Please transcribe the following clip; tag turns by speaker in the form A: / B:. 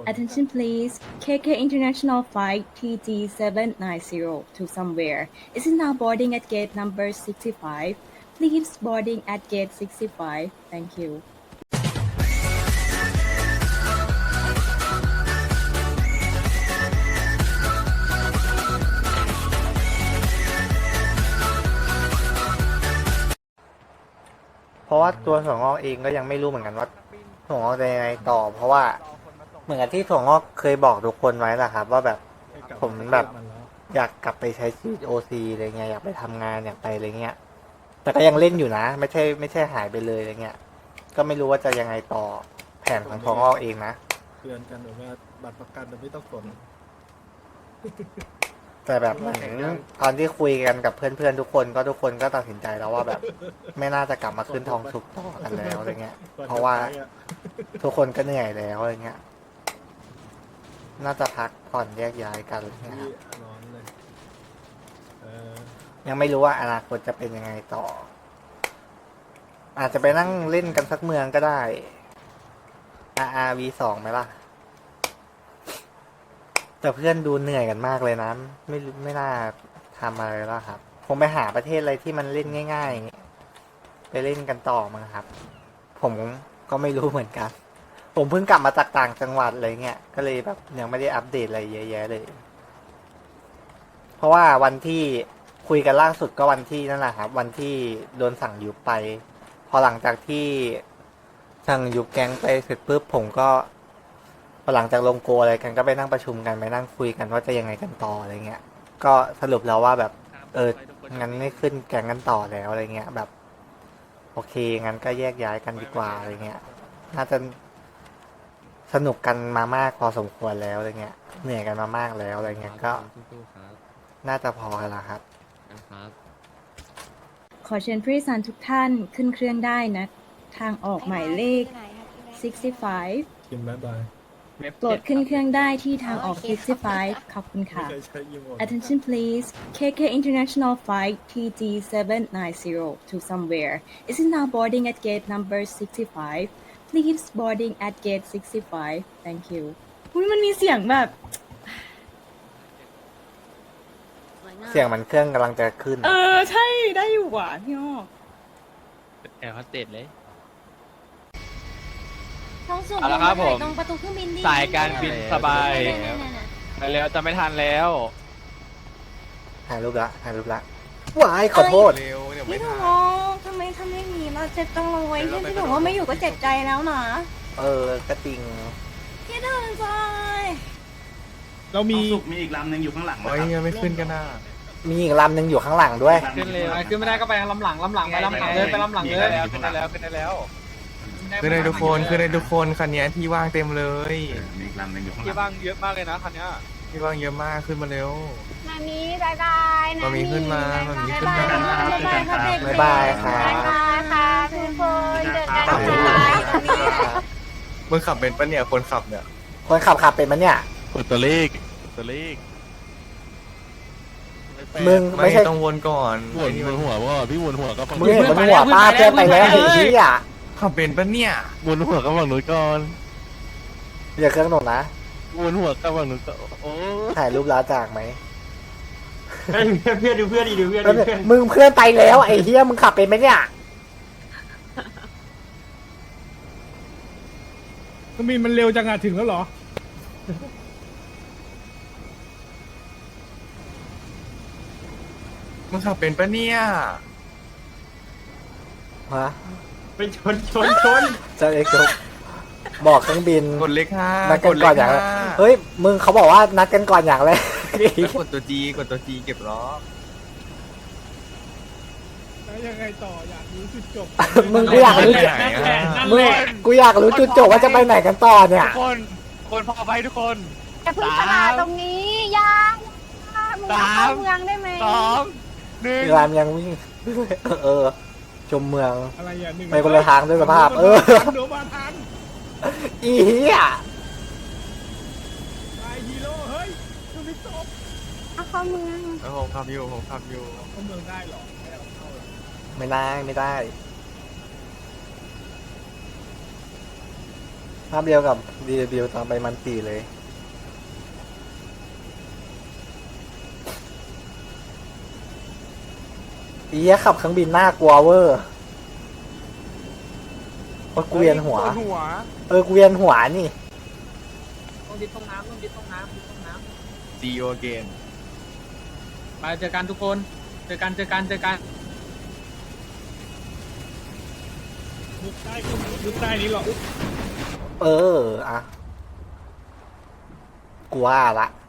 A: Attention please. KK International Flight TG790 to somewhere is now boarding at gate number 65. Please boarding at gate 65. Thank you.
B: เพราะว่าตัวถั่วงอกเองก็ยังไม่รู้เหมือนกันว่าถั่วงอกจะยังไงต่อ เพราะว่าเหมือนกับที่ถั่วงอกเคยบอกทุกคนไว้แหละครับ ว่าแบบผมแบบอยากกลับไปใช้ชีวิตโอซีอะไรเงี้ยอยากไปทำงานอยากไปอะไรเงี้ยแต่ก็ยังเล่นอยู่นะ ไม่ใช่หายไปเลยอะไรเงี้ยก็ไม่รู้ว่าจะยังไงต่อแผนของถั่วงอกเองนะ
C: เตือนกันแบบว่าบัตรประกันไม่ต้องสน
B: แต่แบบเหมือนตอนที่คุยกันกับเพื่อนๆทุกคนก็ตัดสินใจแล้วว่าแบบ ไม่น่าจะกลับมาขึ้นทองสุกต่อกันแล้วอะไรเงี้ย เพราะว่าทุกคนก็เหนื่อยแล้วอะไรเงี้ย น่าจะพักผ่อนแยกย้ายกันอะไรเงี้ยครับ
C: ร้อนเลย
B: ยังไม่รู้ว่าอนาคตจะเป็นยังไงต่อ อาจจะไปนั่งเล่นกันสักเมืองก็ได้ RRV2 ไหมล่ะแต่เพื่อนดูเหนื่อยกันมากเลยนะไม่น่าทำอะไรแล้วครับคงไปหาประเทศอะไรที่มันเล่นง่ายๆไปเล่นกันต่อมั้งครับ ผมก็ไม่รู้เหมือนกัน ผมเพิ่งกลับมาจากต่างจังหวัดอะไรเงี้ยก็เลยแบบยังไม่ได้อัปเดตอะไรเยอะแยะเลย เพราะว่าวันที่คุยกันล่าสุดก็วันที่นั่นแหละครับ วันที่โดนสั่งยุบไป พอหลังจากที่สั่งยุบแก๊งไปเสร็จปุ๊บผมก็พอหลังจากลงโกอะไรกันก็ไปนั่งประชุมกันไปนั่งคุยกันว่าจะยังไงกันต่ออะไรเงี้ย ก็สรุปแล้วว่าแบบงั้นไม่ขึ้นแก๊งกันต่อแล้วอะไรเงี้ยแบบ โอเคงั้นก็แยกย้ายกันดีกว่าอะไรเงี้ยน่าจะสนุกกันมามากพอสมควรแล้วอะไรเงี้ยเหนื่อยกันมามากแล้วอะไรเงี้ยก็น่าจะพอแล้วครับ
A: ขอเชิญผู้โดยสารทุกท่านขึ้นเครื่องได้นะ ทางออกหมายเลข 65
C: กินบ๊ายบาย
A: โปรดขึ้นเครื่องได้ที่ทางออก 65 ขอบคุณค่ะ
C: ไม่เคยใช้ยีโมด
A: Attention please. KK International Flight TG790 to somewhere is now boarding at gate number 65. Please boarding at gate 65. Thank you. อุ๊ยมันมีเสียงแบบ
B: เสียงมันเครื่องกำลังจะขึ้น
A: ใช่ได้อยู่ว่ะพี่อ้อ
D: แอร์โฮสเตสเลย
E: ท้องสูง
D: เอาละครับผม
E: ตรงประตูเครื่องบินดิ
D: สายการบินสบาย
E: เนี่ยๆ
D: ไปแล้วจะไม่ทันแล้ว
B: ถ่ายรูปละว้ายขอโทษ
E: ๆพี่ถูกทำไมทำอย่างนี้เราเจ็บจังเลยที่พี่ถูกว่าไม่อยู่ก็เจ็บใจแล้วนะ
B: ก็จริง
E: พี่ถึงใจ
F: เรามี
G: สุกมีอีกลำหนึ่งอยู่ข้างหลัง
F: โอ้ยยังไม่ขึ้นกันนะ
B: มีอีกลำหนึ่งอยู่ข้างหลังด้วย
D: ขึ้นเลย
H: ขึ้นไม่ได้ก็ไปลำหลังไปลำหลังเลยไปลำหลังเลย
D: ขึ้นได้แล้วขึ้นได้แล้ว
F: ขึ้นได้ทุกคนขึ้นได้ทุกคนคันนี้ที่ว่างเต็มเลย
G: มีอีกลำหนึ่งอยู่ข้างห
D: ที่
G: ลัง
D: บ้างเยอะมากเลยนะคันเนี้ย
F: ที่ว่างเยอะมากขึ้นมาเร็ว
E: นามีบายบายนะ
F: มามีขึ้นมามามีขึ้นมา
E: บายบายค่ะ
B: บ๊ายบายครับ
E: บายบายค่ะทุกคนเจอกัน
B: ขอบคุณ
E: ค่ะ
F: มึงขับเป็นปะเนี่ยคนขับเนี่ย
B: คนขับเป็นมันเนี่ย
I: กดตัวเลขตัวเลข
B: มึงไม่ใช่
F: ต้องวนก่อน
I: วนหัวว่าพี่วนหัวก็ฝั่ง
B: มึงเห็นมันหัวป้าเพื่อนไปแล้วไอ้เหี้ย
F: ขับเป็นปะเนี่ย
I: วนหัวก็ฝั่งนู้นก่อน
B: อย่าเครื่องหนกนะ
I: วนหัวก็ฝั่งนู้นก็โอ้
B: ถ่ายรูปลาจากไหม
G: เพื่อนดูเพื่อนดีดูเพื่อนดูเพื่อน
B: มึงเพื่อนไปแล้วไอ้เหี้ยมึงขับเป็นไหมเนี่ย
F: เครื่องบินมันเร็วจังอะถึงแล้วเหรอมึงขับเป็นปะเนี่ย
B: ฮะ
G: ไปชน
B: จะเอ็กซ์บอกเครื่องบิน
F: กดเลขห้า
B: นัดกันก่อนอย่างแรกเฮ้ยมึงเขาบอกว่านัดกันก่อนอย่างแรก
F: แล้วกดตัวจีเก็บล้อ
H: ยังไงต่ออยากรู้จุดจบ
B: มึงกูอยากรู้
F: ไปไหนอะ
B: มึงกูอยากรู้จุดจบว่าจะไปไหนกันต่อเนี่ย
D: ทุกคนพอไปทุกคน
E: อย่าเพิ่งตลาดตรงนี้อยามึงอยากเข้าเมืองได้ไหม
D: 2 1
B: รามยังวิ่ง ชมเมือง
H: อะไรอย่างหนึ่ง
B: ไปคนละทางด้วยสภาพ
H: เดี๋ยวมาทัน
B: อีเหี้ย
H: ตายฮีโร่เฮ้ยมันไม่จบ
E: เอาเข้าเมือง
F: แล้วผมขับอยู่
H: เข้าเมืองได้เหรอไม่เอาเข้าหรอ
B: ไม่ได้ภาพเดียวกับ DW ตอนไปมันตีเลยอียขับเครื่องบินน่ากลัวเวอร์โอ้ยกูเวียนหัว กูเวียนหัวนี่
H: ต้องดิดต้องน้ำต้องดิดต้องน้ำดิดต้องน้
F: See you again
H: ำมาเจอกันทุกคน เจอกันมุกใต้ก็มุกใต้นี้หรอ
B: อะกูว่าละ